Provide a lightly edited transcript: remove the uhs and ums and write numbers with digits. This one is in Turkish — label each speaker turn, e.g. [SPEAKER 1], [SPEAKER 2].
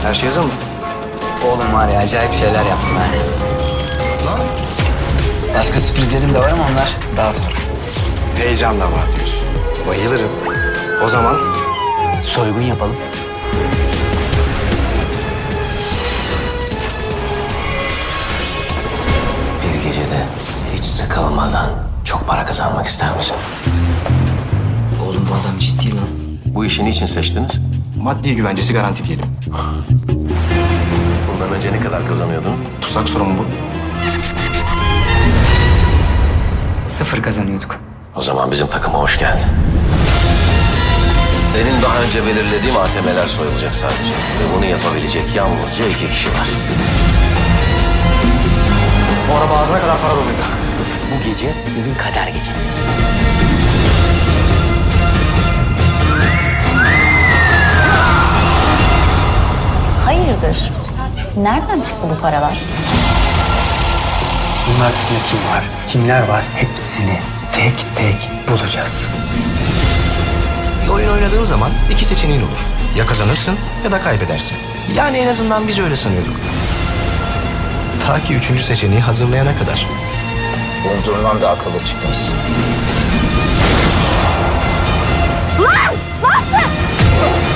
[SPEAKER 1] Her şey hazır mı?
[SPEAKER 2] Oğlum var ya acayip şeyler yaptım ha.
[SPEAKER 1] Lan.
[SPEAKER 2] Başka sürprizlerim de var ama onlar daha sonra.
[SPEAKER 1] Heyecan da var diyorsun. Bayılırım. O zaman
[SPEAKER 2] Soygun yapalım.
[SPEAKER 3] Bir gecede hiç sıkılmadan çok para kazanmak ister misin?
[SPEAKER 2] Oğlum bu adam ciddi lan.
[SPEAKER 3] Bu işi niçin seçtiniz?
[SPEAKER 1] maddi güvencesi garanti diyelim.
[SPEAKER 3] Bundan önce ne kadar kazanıyordun?
[SPEAKER 1] Tuzak sorun bu.
[SPEAKER 2] 0 kazanıyorduk.
[SPEAKER 3] O zaman bizim takıma hoş geldin. Benim daha önce belirlediğim ATM'ler soyulacak sadece. Ve bunu yapabilecek yalnızca 2 kişi var.
[SPEAKER 1] Bu araba ağzına kadar para doluydu.
[SPEAKER 2] Bu gece sizin kader geceniz.
[SPEAKER 4] Hayırdır? Nereden çıktı bu paralar?
[SPEAKER 5] Bunun arkasında kim var, kimler var hepsini tek tek bulacağız.
[SPEAKER 1] Bir oyun oynadığın zaman iki seçeneğin olur. Ya kazanırsın ya da kaybedersin. Yani en azından biz öyle sanıyorduk. Ta ki üçüncü seçeneği hazırlayana kadar.
[SPEAKER 3] Umduğumdan da akıllı çıktınız.
[SPEAKER 4] Ne yaptın?